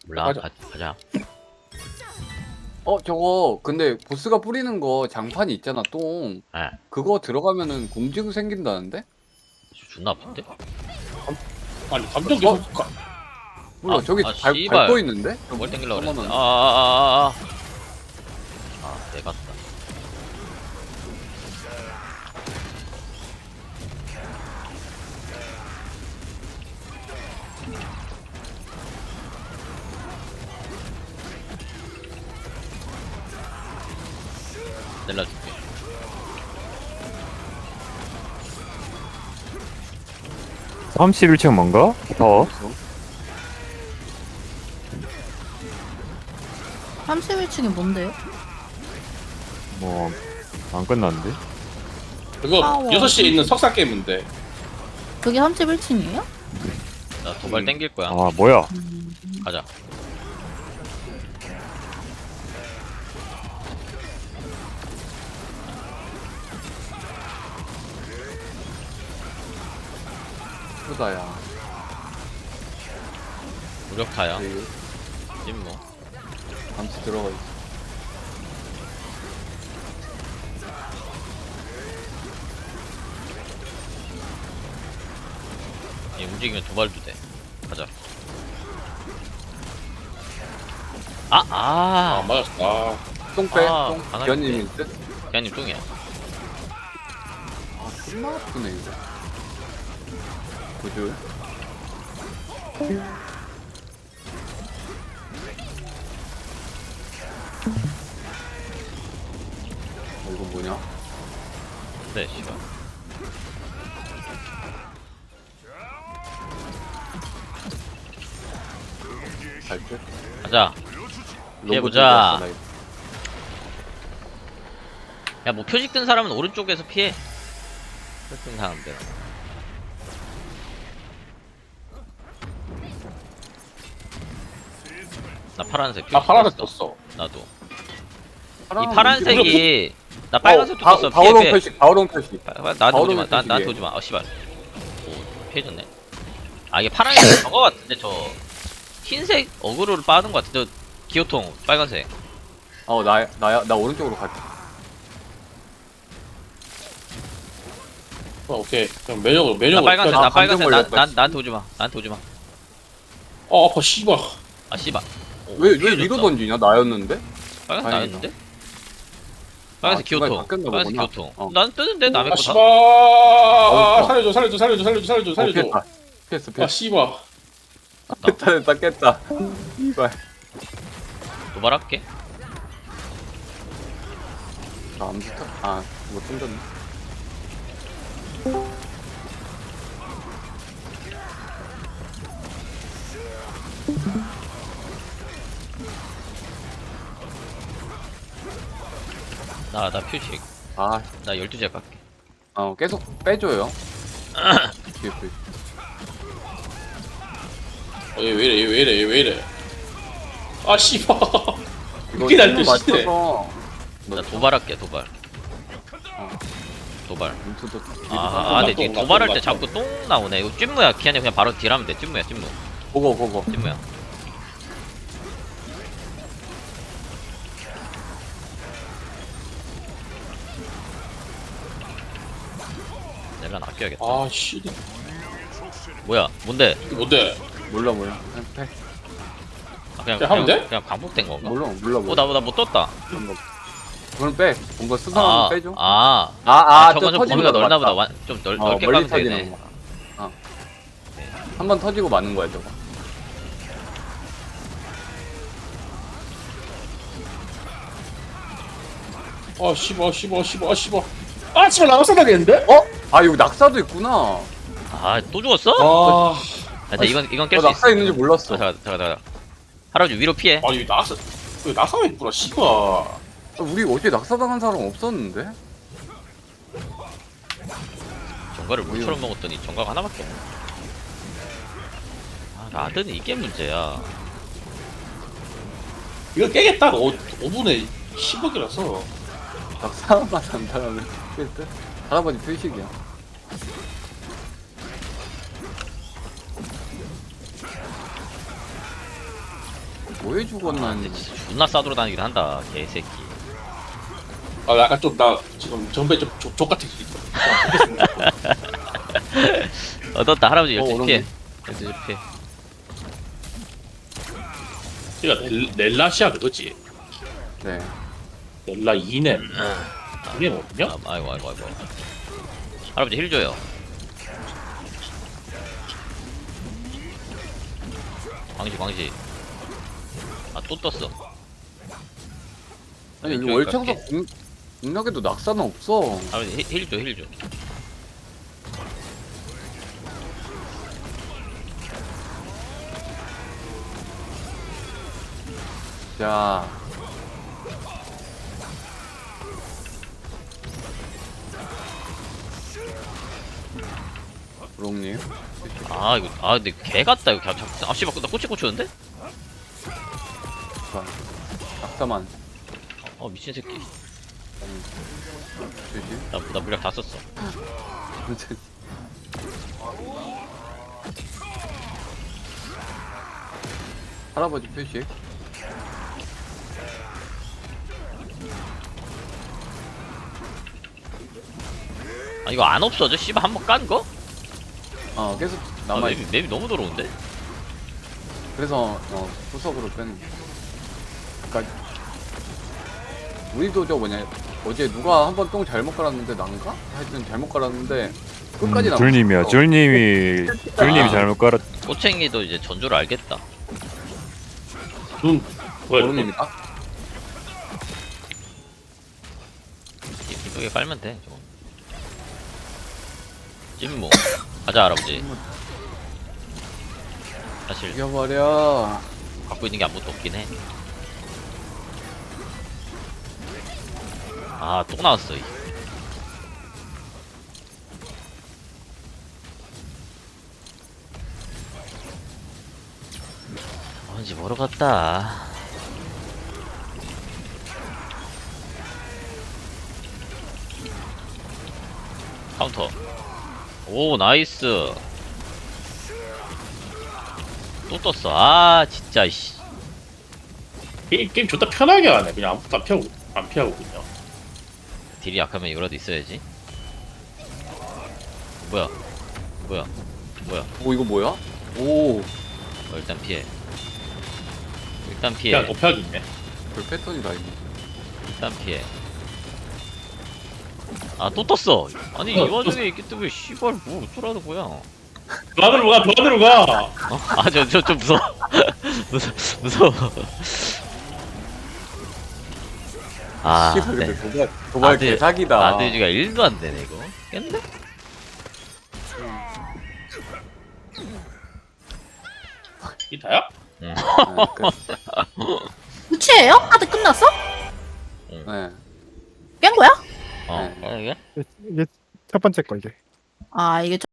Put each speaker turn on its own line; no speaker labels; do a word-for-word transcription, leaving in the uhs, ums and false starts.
몰라.
가자.
가, 가자.
어 저거 근데 보스가 뿌리는 거 장판이 있잖아 똥.
예.
그거 들어가면은 공증 생긴다는데?
존나 아픈데?
아니 감정
어?
계속 가.
몰라
아,
저기
아,
발,
씨발.
밟고 있는데?
뭘 땡길라 그랬는데.
잠깐만.
아, 아, 아, 아, 아. 아, 내가 다 내려줄게.
삼십일 층 뭔가? 더?
삼십일 층이 뭔데요?
뭐, 안 끝났는데?
그거
파워.
여섯 시에 있는 석사 게임인데.
그게 삼십일 층이에요?
나 도발
음.
땡길 거야.
아, 뭐야?
가자.
크다야.
무력타야.
네,
찜무.
잠시 들어가 있어.
얘 움직이면 도발도 돼. 가자. 아,
아
아.
맞았어. 아
똥 빼.
아,
똥.
강아지
기현님일 듯?
걔님 뚱이야.
아 존나 아프네 이거. 구줄. 어, 이거 뭐냐?
네, 씨발.
갈 듯?
가자.
로봇
피해보자.
준비했어, 나 이거.
야, 뭐 표식 든 사람은 오른쪽에서 피해. 표식 든 사람들. 나 파란색.
나
표식
파란색
떴어.
떴어.
나도.
파란
이 파란색이 나 빨간색도
어,
떴어.
바,
피해,
바오롱
피해.
표식, 바오롱 표식.
빠- 빠- 나한테
바오롱
오지 마. 나,
표식이에요.
나한테 오지 마. 어, 씨발. 오, 피해졌네. 아, 이게 파란색 저거 같은데, 저. 흰색 어그로를 빠는 것 같은데, 저 기호통 빨간색.
어, 나, 나야, 나 오른쪽으로 갈게.
어, 오케이. 그럼 매력으로
나
매력으로.
빨간색,
아,
나
감정
빨간색, 나,
걸렸다,
난,
씨.
나한테 오지 마. 나한테 오지 마.
어 아파 씨발.
아, 씨발. 오,
왜, 왜
피해졌다.
위로 던지냐? 나였는데?
빨간색
다행이다.
나였는데? 빨간색
아, 중간에
기호통.
바뀌었나
빨간색
보구나.
기호통.
어.
난 뜨는데 남의
아
거
씨발.
다.
아,
어,
살려줘 살려줘 살려줘 살려줘 살려줘
어,
살려줘.
피했다. 피했어,
아
피했어.
씨발.
깼다, 깼다, 깼다. 이발.
도발할게.
나안 붙어. 아, 못 던졌네.
나, 나 표식.
아,
나 열두 제 갈게.
어, 계속 빼줘요. 뒤에 그-
어, 얘 왜 이래 얘 왜 이래 얘 왜 이래. 아 씨발.
이거
그게 날
힘을
뜻이네.
맞춰서
나 도발할게, 도발.
어.
도발.
문투도
아, 아, 근데
똥,
이게
똥,
도발할
똥,
때 자꾸 똥 나오네. 이거 찜무야. 기한이 그냥 바로 딜하면 돼. 찜무야, 찜무.
보고 보고.
찜무야. 내가 아껴야겠다.
아 씨.
뭐야? 뭔데?
이게 뭔데?
몰라 몰라. 그냥 빼.
아, 그냥
그냥 하면
그냥,
돼?
그냥 반복된 건가?
몰라 몰라
어,
몰라.
나, 나 못 떴다.
그런 거. 그럼 빼. 뭔가 수상한
아,
거 빼줘.
아,
아,
아,
아,
저건 좀 범위가 넓나 보다. 완, 좀 넓,
어,
넓게
멀리
가면
터지는
되네.
거. 어. 한 번 터지고 마는 거야 저거.
아 씨발 씨발 씨발 씨발. 아 씨발 나가서 나겠는데?
어? 아 여기 낙사도 있구나.
아, 또 죽었어?
아.
야, 나 이건, 이건 깰
어,
수 있어.
낙사 있는지 몰랐어.
아, 잠깐, 잠깐, 잠깐. 할아버지 위로 피해.
아니 왜 나가서 왜 나가서 있구나 씨발.
우리 어제 낙사당한 사람 없었는데?
정가를 물처럼 먹었더니 정가가 하나밖에 없네. 아, 라드는 이게 문제야.
이거 깨겠다. 오 분에 십억이라서.
낙사만 산다면 깰 듯? 할아버지 표식이야. 뭐해 죽었나
근데
했는데.
진짜 존나 싸돌아 다니긴 한다 개새끼.
아 약간 좀 나 지금 전배 좀 족같은 게 있어.
얻었다 할아버지
어,
열두 시 피해.
어렵네.
열두 시 피해.
얘가 넬, 넬라시아 그거지.
네.
넬라 이넴. 이게 뭐냐?
아, 아이고 아이고 아이고. 할아버지 힐 줘요. 광시 광시. 아 또 떴어.
아니
왼쪽에
여기 월창석
갈게.
공, 공략에도 낙사는 없어.
할아버지 힐 줘 힐 줘.
자. 부롱님.
아 이거 아 근데 개 같다 이거. 자, 자, 아 씨발 나 꼬치 꽂혔는데?
자, 낙사만.
어 미친 새끼.
되지?
나, 나 물약 다 썼어.
할아버지 표시.
아 이거 안 없어져? 씨발 한 번 깐 거?
어 계속
아,
남아.
맵이, 맵이 너무 더러운데?
그래서 어 후석으로 빼는. 그러니까 우리도 저 뭐냐 어제 누가 한 번 똥 잘못 깔았는데 난가? 하여튼 잘못 깔았는데 끝까지
음,
남았어.
줄님이야. 줄님이 줄님이
아.
잘못 깔았.
꼬챙이도 이제 전조를 알겠다.
눈 뭐야?
모릅니다.
이쁘게 깔면 돼 저거. 찜무 가자 할아버지. 사실
죽여버려.
갖고 있는 게 아무것도 없긴 해. 아 또 나왔어. 이. 언제 뭐로 갔다. 카운터. 오 나이스. 또 떴어. 아 진짜 씨.
게임 게임 좋다 편하게 하네. 그냥 아무것도 안 피하고 안 피하고 그냥.
딜이 약하면 이거라도 있어야지. 뭐야? 뭐야? 뭐야?
오 이거 뭐야? 오
어, 일단 피해. 일단 피해.
그냥 도피하기 있네.
별 패턴이다 이거.
일단 피해. 아 또 떴어. 아니
어,
이 와중에 있기 때문에 씨발 뭐 어쩌라는 거야?
그 안으로 가, 그 안으로 가.
어? 아저 저 좀 무서워. 무서 무서워. 아,
씨발
네.
근데 도발 도발
아들-
개사기다.
아들지가 일도 안 되네 이거. 깼네?
이 다야?
네, 끝.
끝이에요? 카드 끝났어?
네.
깬 거야?
어,
네.
어, 이게?
이게 첫 번째 거 이게.
아 이게